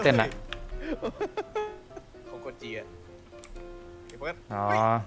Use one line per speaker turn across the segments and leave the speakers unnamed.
เต้นอะ
ของคนจีอะเดี๋ยวเพื่อน
อ๋อ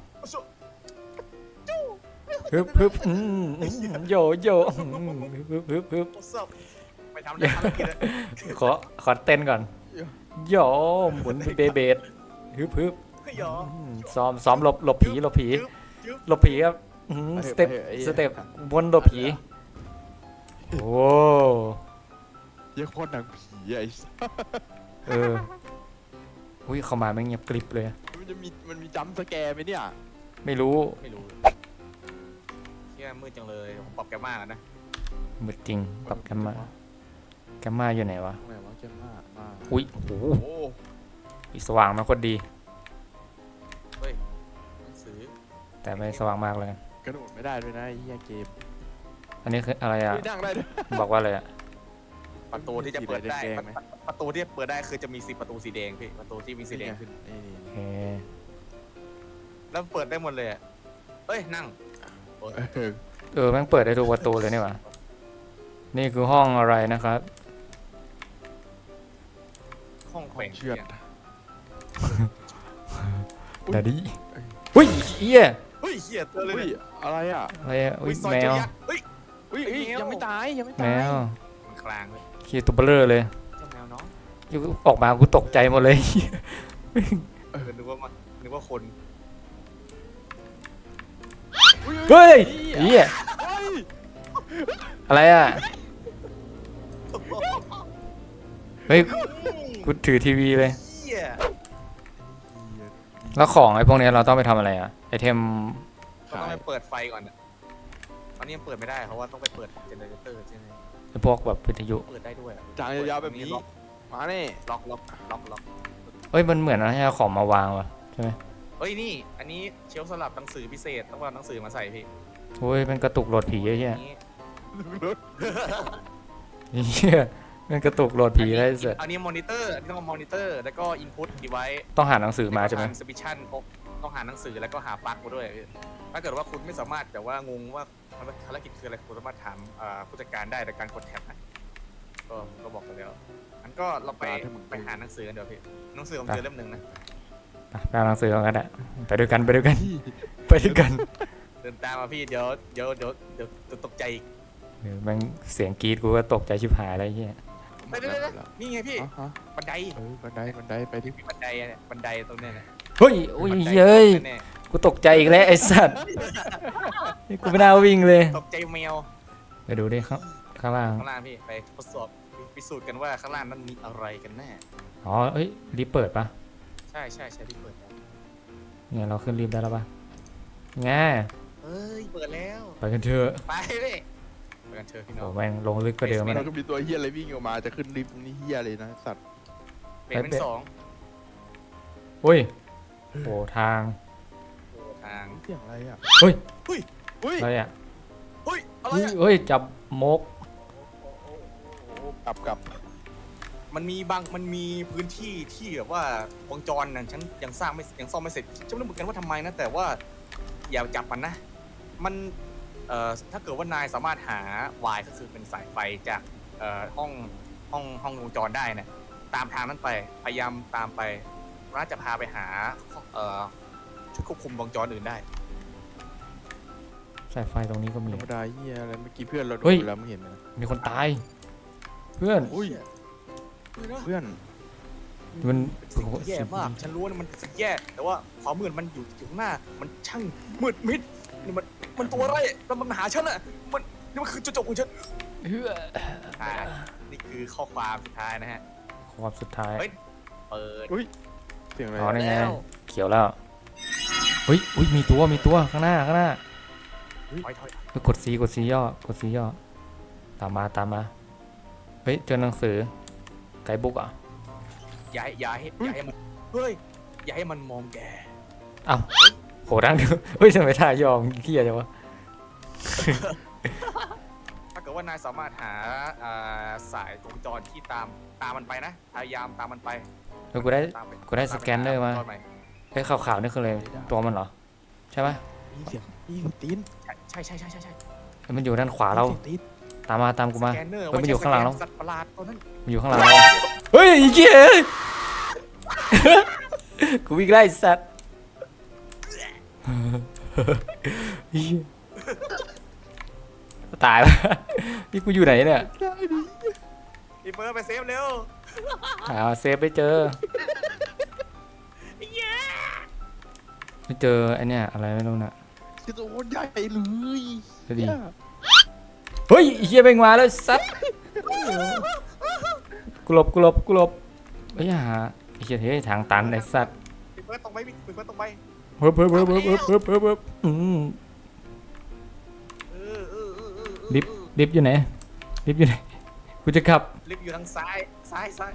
จู้
ฮึบโยฮึบ
โอ้สับไปทำได้ภารกิจเลย
ขอเต้นก่อนโยหมุนเบเบดฮึบ
เฮ้ยหรอ
ซ้อมหลบผีหลบผี
จึ๊บ
หลบผีครับสเต็ปวนหลบผีโอ้
เยี่ยโคตรหนังผีไอ้สัส
เอออุ้ยเข้ามาไม่เงียบกริบเลย
มันมีจัมป์สแกร์ไหมเนี่ย
ไม่รู้
ไม่รู้เชี่ยมืดจังเลยผมปรับแกมากนะ
มืดจริงปรับแกมมาอยู่ไหนวะ
ทำไมวะแกมากมาก
อุ้ยโอ้โห
โอ้
อีสว่างมาโคตรดี
เฮ้ยหนังสือ
แต่ไม่สว่างมากเลย
กระโดดไม่ได้ด้วยนะไอ้เหี้ยเกม
อันนี้คืออะไรอ่ะ
ไม่นั่งได้ด้วย
บอกว่าอะไรอ่ะ
ประตูที่จะเปิดได้
สีแดงไหม
ประตูที่เปิดได้คือจะมีสีประตูสีแดงพี่ประตูที่มีสีแดงขึ้น
นี่
โอเค
แล้วเปิดได้หมดเลยอะเอ้ยนั่ง
แม่งเปิดได้ทุกประตูเลยนี่หว่านี่คือห้องอะไรนะครับ
ห้องแขวน
เชือด
ดาดี้อุ้ยเอี้ย
เฮ้ยเหี้ยเจอเลย
อุ้ย
เนี่ย
อะไรอ่ะ
อะไรอ่ะอุ้ย
ซอย
แม
เจอ
ว
ยักษ์เฮ้ย
อุ้ย
ไอ้แมว
ยังไม่ตายยังไม่
แม
ตายว
มันคลางเลย
ขี้ตัวเบลอเลย
เจ้าแมวน้อง
ออกมากูตกใจหมดเลย
นึกว่ามันนึกว่าคน
เฮ้ยเอี้ย
เฮ้ย
อะไรอ่ะเฮ้ยกูถือทีวีเลย
เหี้ย
แล้วของไอ้พวกนี้เราต้องไปทำอะไรอ่ะไอเทม
ก็ต้องไปเปิดไฟก่อนอะตอนนี้ยังเปิดไม่ได้เพราะว่าต้องไปเปิดเจเนเรเตอร์ใช่ไหม
ไอพวกแบบวิทยุ
เปิดได้ด้วยอะ
จางยาวๆแบบนี้มาแน่
ล็อก
เฮ้ยมันเหมือนอะไรให้เอาของมาวางวะใช่ไหม
เฮ้ยนี่อันนี้เชลฟ์สำหรับหนังสือพิเศษต้องเอาหนังสือมาใส่พี่
โอ้ยมันกระตุกโหลดผีไอ้เหี้ย
อันนี้
เหี้ยมันกระตุกโหลดผีได้เสร็จ
อันนี้มอนิเตอร์อันนี้ต้องเอามอนิเตอร์แล้วก็อินพุตดีไว้
ต้องหาหนังสือมาใช่ไหม
สปิชันต้องหาหนังสือแล้วก็หาปลั๊กมาด้วยพี่ถ้าเกิดว่าคุณไม่สามารถแต่ว่างงว่าภารกิจคืออะไรคุณสามารถถามผู้จัดการได้โดยการกดแท็บนะก็บอกกันแล้วงั้นก็เราไปหาหนังสือกันเดี๋ยวพี่หนังสือผมเจอเล่มหนึ่งนะ
ไปเอาหนังสือกันอ่ะไปด้วยกันไปด้วยกันไปด้วยกัน
เดินตามมาพี่เดี๋ยวตกใจอีก
เดี๋ยวแม่งเสียงกรีดกูก็ตกใจชิบหายอะไรเงี้ย
ไปนี่ไงพี่
ฮะ
บันได
บันไดไปดิ
มีบันไดเนี่ยบันไดตรงเนี้ยนะ
เฮ้ยโอ้ยเย้ย
แน่
กูตกใจอีกแล้วไอ้สัตว์นี่กูไม่น่าวิ่งเลย
ตกใจแมว
ไปดูดิข้างล่าง
ข้างล่างพี่ไปทดสอบพิสูจน์กันว่าข้างล่างนั้นมีอะไรกันแน่
อ๋อเอ้ยรีบเปิดปะ
ใช่ที่เปิดแล้ว
เนี่ยเราขึ้นรีบได้แล้วปะง่า
เอ้ยเปิดแล้ว
ไปกันเถอะ
ไปเลยไปกันเถอะพี่น้
โอ้
อง
แม่งลงลึกกว่าเดิม
มั
มัน
นก็มีตัวเฮียอะไรวิ่งออกมาจะขึ้นลิฟต์นี่เฮียเลยนะสัตว์
เป็นสอง
อุ้ยโอ้ทาง
ทาง
เสียงอะไรอ่ะ
เฮ้ย
อุ้ย
อะไรอ่ะ
เฮ้ยอะไร
เฮ้ย
อะ
เฮ้ยจับมก
กลับ
มันมีพื้นที่ที่แบบว่าวงจรน่ะฉันยังซ่อมไม่เสร็จฉันไม่รู้เหมือนกันว่าทำไมนะแต่ว่าอย่าจับมันนะมันถ้าเกิดว่านายสามารถหาวายก็คือเป็นสายไฟจากห้องวงจรได้เนี่ยตามทางนั้นไปพยายามตามไปน่าจะพาไปหาชุดควบคุมวงจรอื่นได้
สายไฟตรงนี้ก็มี
ธรรมดาเฮียอะไรเมื่อกี้เพื่อนเราโด
เฮ้ย
นแล้วมึงเห็นไหม
มีคนตาย เพื่อน
อุ้ยเพื่อน
มัน
สิ่งที่แย่มาก ฉันรู้ว่ามันสิ่งแย่ แต่ว่าความมืดมันอยู่ข้างหน้า มันช่างมืดมิดนี่มันตัวอะไรแล้วมันหาฉันอ่ะนี่มันคือจุดจบของฉัน
เฮ้ย
นี่คือข้อความสุดท้ายนะฮะ
ความสุดท้าย
เฮ้ย เปิด
เสียงอะไร
อ๋อ
อะ
นี่ไง
แล้ว
เขียวแล้วเฮ้ยอุ้ยมีตัวข้างหน้า
ถอย
เฮ้ยกดซีย่ตามมาเฮ้ยเจอหนังสือไกด์บุ๊กอ่ะ
อย่าให้มันเฮ้ยอย่าให้มันมองแก
อ้าวโหดังเฮ้ยทำไมท่ายอมเกี้ยจังวะ
ถ้าเกิดว่านายสามารถหาสายวงจรที่ตามมันไปนะพยายามตามมันไป
เฮ้ยกูได้
ตามไป
สแกนเนอร์มา
ตไปห
เฮ้ยขาวๆนี่คืออะไรตัวมันเหรอใช่ไหม
มีเสียงตีน
ใช่
เฮ้ยมันอยู่ด้านขวาเรา
มีสียงตีน
ตามกูมา
สแกนเนอร์
เฮ้ยมันอยู่ข้างหลังเรา
สัตว์ประหลาดตัวนั้น
มันอยู่ข้างหลังเราเฮ้ยไอ้เหี้ยกูวิ่งไล่สัตว์เหี้ยตายแล้วนี่กูอยู่ไหนเนี่ย
พี่เฟิร์สไปเซฟเร็ว
หาเซฟไม่เจอไม่เจอไอเนี่ยอะไรไม่รู้น่ะ
คือตัวโคตรใหญ่เลย
ดูดิ เฮ้ยไอ้เฮียแม่งมาแล้วสัตว์กูหลบเฮ้ยหาไอ้เฮียเฮ้ยทางตันไอ้สัตว์
พี่เฟิร์สตรงไปพี่เฟิร์สตรงไป
เฮ้ยลิฟต์อยู่ไหนกูจะขับ
ลิฟต์อยู่ทางซ้ายซ้าย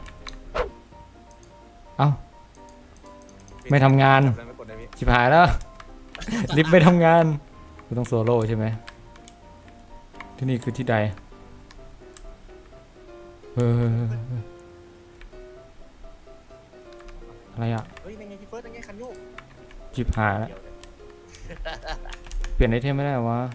เอ้า ไม่ทำงาน
ไม่กดได้พี่
ชิบหายแล้ว ลิฟต์ไม่ทำงานกูต้องโซโล่ใช่ไหมที่นี่คือที่ใดอะไรอ่ะ
เฮ้ยนั่นไงพี่เฟิร์สนั่นไงคันโยก
ชิบหายแล้วเปลี่ยนไอเทมไม่ได้วะ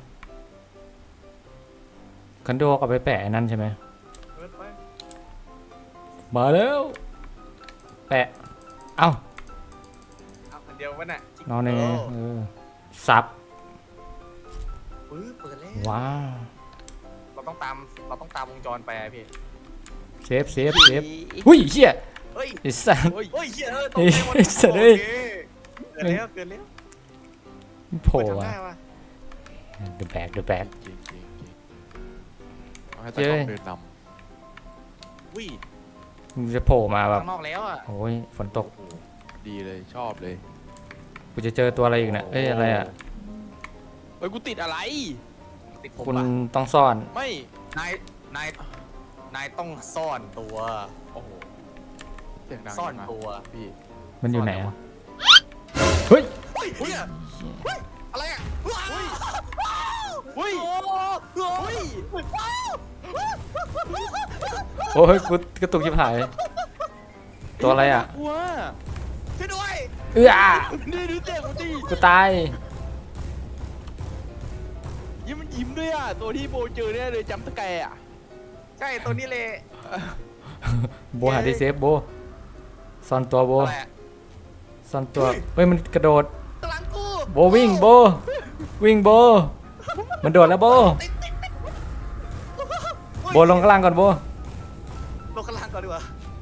คันโดกเอาไปแปะไอ้นั่นใช่ไหม
เฟิร์สไป
มาแล้วแปะเอ้า
เอาคันเดียววะน่ะ
นอนในซับ
ปื้อเปิดแล้ว
ว้าว
เราต้องตามวงจรไปอะพี่
เซฟหุ้ยเชี่ย
เฮ้ย
ไอ้สัส
เฮ้ยเหี้ยตกใจหมด
ไอ้สัตว์เอ้ย
โอเคเกินแล้ว
โผล่
เปิด
อะ
ทำได้วะ
The bag
จริงเอาให้ตะกล้องเดินน
วิ่
มึงจะโผล่มาแบบ
ข้างนอกแล้วอ่ะ
โอ้ยฝนตก
ำโอ้โหดีเลยชอบเลย
กูจะเจอตัวอะไรอีกเนี่ยเอ้ยอะไรอ่ะ
เฮ้ยกูติดอะไร
ติดผม
คุณ
ปะ
ต้องซ่อน
ไม่
นายต้องซ่อนตัว
โอ้โหเสียงดัง
ซ่อน
จังะ
ตัว
พี่
มันอยู่ไหน
ซ่อนไหน
อะ
วะ
เฮ้ย
เฮ้ยเฮ้ยอะไรอ่ะ
เฮ้ย
โอ้โห
เฮ้ย
โอ้ยกูกระตุกชิบหาย ตัวอะไรอ่ะ
กลัว
ช่วยด้วย
นี่ดูเจ็บกูดิ
กูตาย
ยิ้มมันยิ้มด้วยอ่ะตัวที่โบเจอเนี่ยเลยจำตะแกรงอ่ะ
ใช่ตัวนี้เลย
โบหาที่เซฟโบซ่อนตัวโบ
อะไรอะ
ซ่อนตัวเฮ้ยมันกระโดด
กำลังกู
โบวิ่งโบมันโดดแล้วโบ โบลงข้างล่างก่อนโบ
ลงข้างล่างก่อนดีกว่า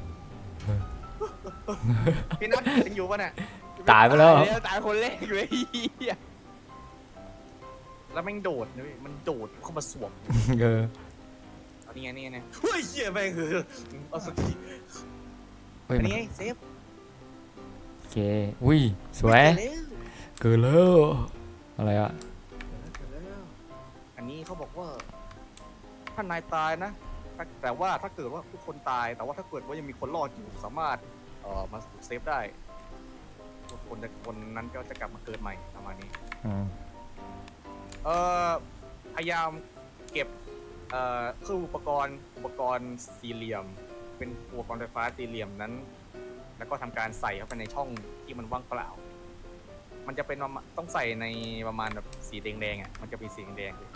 พี่นัทยังอยู่ปะเนี่ย
ตายไปแล้ว
ตายคนแรกเลยเหี้ย
แล้วแม่งโดดนะพี่มันโดดเข้ามาสวม
เออ
อันนี้ไงนี่ไงเฮ้ยเหี้ยแม่งคือเอาสักที
เฮ้ย
อัน
มัน
นี้ไงเซฟ
โอเคอุ้ยสวย เกิดแล้วอะไรอ่ะ
อันนี้เขาบอกว่าถ้านายตายนะแต่ว่าถ้าเกิดว่าทุกคนตายแต่ว่าถ้าเกิดว่ายังมีคนรอดอยู่สามารถมาเซฟได้คนนั้นก็จะกลับมาเกิดใหม่ประมาณนี้
อืม
พยายามเก็บเครื่องอุปกรณ์สี่เหลี่ยม เป็นอุปกรณ์ไฟฟ้าสี่เหลี่ยมนั้น แล้วก็ทำการใส่เข้าไปในช่องที่มันว่างเปล่า มันจะเป็นต้องใส่ในประมาณแบบสีแดงๆอ่ะมันจะเป็นสีแดงๆ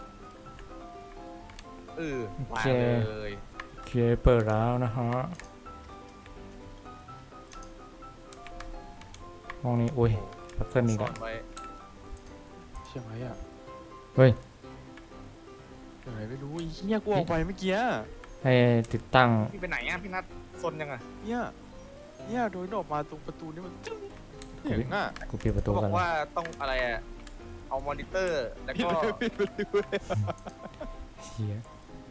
วางเลย
โอเคเปิดแล้วนะฮะห้องนี้อุ้ยพัซเซิลอีก
ซ่
แล้
อ
วน
ไว้
ใช่ไหมอ่ะ
เฮ้ย
ยังไงไม่รู้ไอ้เหี้ยกูออกไปเมื่อกี้
ให้ติดตั้ง
พี่ไปไหนอ่ะพี่นัทซนยังอ่ะ
เนี่ยโดยออกมาตรงประตูนี่มันจึ้งเสียงอ่ะ
กูปิดประตู
เขาบ
กั
อน กว่าต้องอะไรอ่ะเอามอนิเตอร์แล้วก็
ปิดประตูเลย
เชี่ย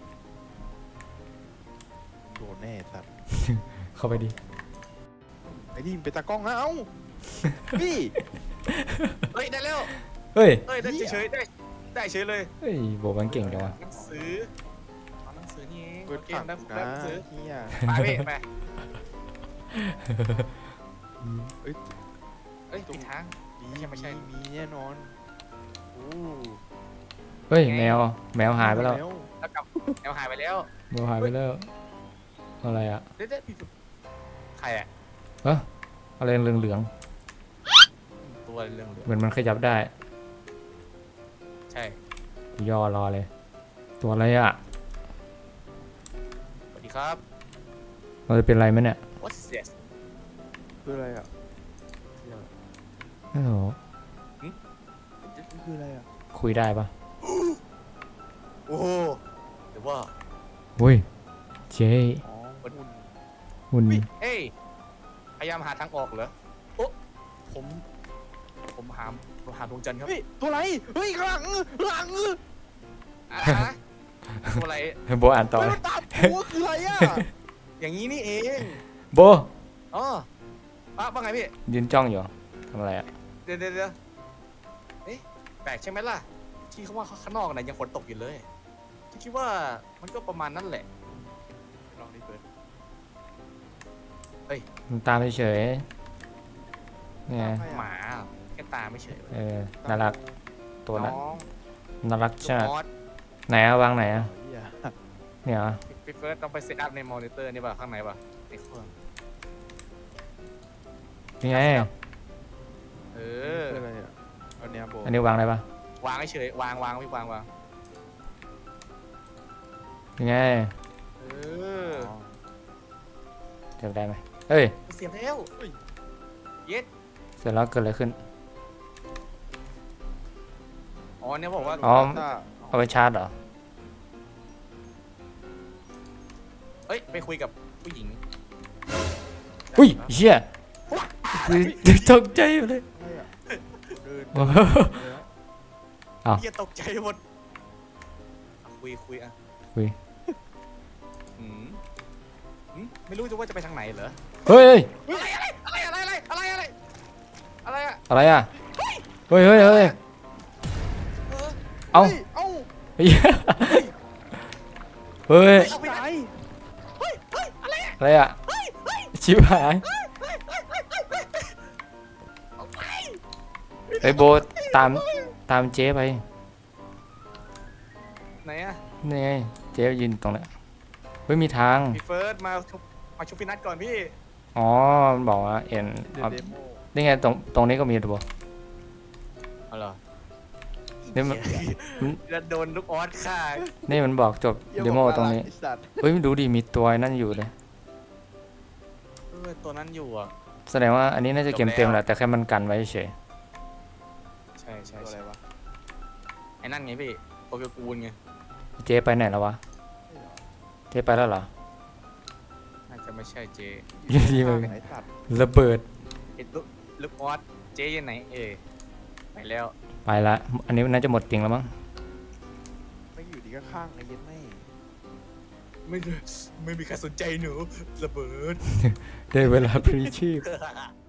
โดนแน่สัตว์
เข้าไปดิ
ไอ้นี่มันเป็นตากล้องนะเอ้าพี่
เฮ้ยได้แล้ว
เฮ้ย
เฮ้ยได้เฉยๆได้เฉยเลย
เฮ้ยโบมันเก่งจังวะ
หนังสือเอาหนังสือนี่เอง
เปิด
โอเค
ผัก
ได้
กู
ได้
นะ
หนังสือ
เฮีย
ไปพี่ไป
เอ้ย
เอ้ยผิดทาง ไม่ใช่
มีแน่นอนโอ้
เฮ้ยแมวหายไปแล้ว
แล้วกลับแนวหายไปแล้ว
แมวหายไปแล้วอะไรอ่ะ
เด็ดๆพี่ฝึกใครอ่ะ
อะไรเหลือง
ตัวเรื่อง
ๆเหมือนมันขยับได้
ใช่
กูย่อรอเลย ตัวอะไรอ่ะ
สวัสดีครับ
วเราจะเป็นไรไหมเนี่ย
What is this
คืออะไรอ่ะ
โอ้โห
คืออะไรอ่ะ
คุยได้ปะ
โอ้โหหรือว่า
อุ้ยเจ๊
อ๋อหุ่น
หุ่น
เอ้ยพยายามหาทางออกเหรอโอ้ผมหาดวงจันทร์ครับ
เฮ้ยตัวอะไรเฮ้ยข้างหลังหลัง
อ่ะฮะตัวอะไร
โบอ่านต่อ
เฮ้ย
เลย
มันตามหัวคืออะไรอ่ะ
อย่างนี้นี่เอง
โบ
อ๋อว่าไงพี่
ยืนจ้องอยู่ทำอะไรอ่ะ
เดี๋ยวเอ๊ะแปลกใช่ไหมล่ะ ที่เขาว่าข้างนอกน่ะยังฝนตกอยู่เลยที่คิดว่ามันก็ประมาณนั้นแหละ
ลองดิเปิด
มันตามเฉยๆเนี่ย
หมาแค่ตาไม่เฉยเว้ย
น่ารักตัวนั้น
น้อง
น่ารัก
ลู
ใช่
ก
ไหม
มอส
ไหนอะวางไหนอะ
เหี้ย
เนี่ยเหรอ
พี่เฟิร์สต้องไปเซตอัพในมอนิเตอร์นี่ป่ะข้างในป่ะในเครื่อง
นี่ไง
เอ
คือ
อ
อะไรอ่ะอันเนี้ยโบ
อันนี้วางได้ปะ
วางเฉยวางพี่วาง
นี่ไง
เออ
อ๋อ
เสร็จได้ไหมเอ้ย
เสียบแล้วเย็ด
เสร็จแล้วเกิดอะไรขึ้น
อ๋อเนี่ยบอกว่า
อ๋อ
ต้า
เอาไปชาร์จเหรอ
เฮ้ยไปคุยกับผู้หญิง
อุ้ยเชี่ยตกใจอยู่เลย
อะไรอ่ะเดิน
โอ้โห อ้าว
เฮียตกใจหมดอ่ะคุยอ่ะ
คุย
อืมไม่รู้จะว่าจะไปทางไหนเหรอ
เฮ้ย
อะไรอะ
อะไรอ่ะเฮ้ยเฮ้ยเฮ้ย
เออ
เอ้า
เอ้า
เฮ้ยเฮ้ย
เอาไป
ตา
นะ
ย
อะไรอ่ะชิบหายไอ้ยโบตามเจ๊ไป
ไหนอะ
นี่ไงเจ๊ยืนตรงนั้นเฮ้ยมีทาง
พี่เฟิร์สมาชุบพี่นัทก่อนพี่
อ๋อมันบอกว่าเอ็น
เด
เอา
เดโม
นี่ไงตรงนี้ก็มีตัว
เอาเหรอ
นี่มัน
จะโดนลูกออสฆ่า
นี่มันบอกจบเดโมตรงนี้
ไอ้สัตว์
เฮ้ยดูดิมีตัวนั่นอยู่เลย
ตัวนั้นอยู่อ่ะ
แสดงว่าอันนี้น่าจะเกมเต็มแหละแต่แค่มันกันไว้เฉย
ใช่
ตัวอะไรวะ
ไอ้นั่นไงพี่โตเกียวกูลไง
เจ๊ไปไหนแล้ววะเจ๊ไปแล้วเหรอ
น่าจะไม่ใช่เจ
อยู่ดีมัน
ไอ้สัตว์
ระเบิด
ไอ้ลูกออสเจยังไหนไปแล้ว
ไปละอันนี้น่าจะหมดจริงแล้วมั้ง
ไม่อยู่ดีก็ข้างไอ้เย็นไม่
ไม่มีใครสนใจหนูระเบิด
ได้เวลาพลีชีพ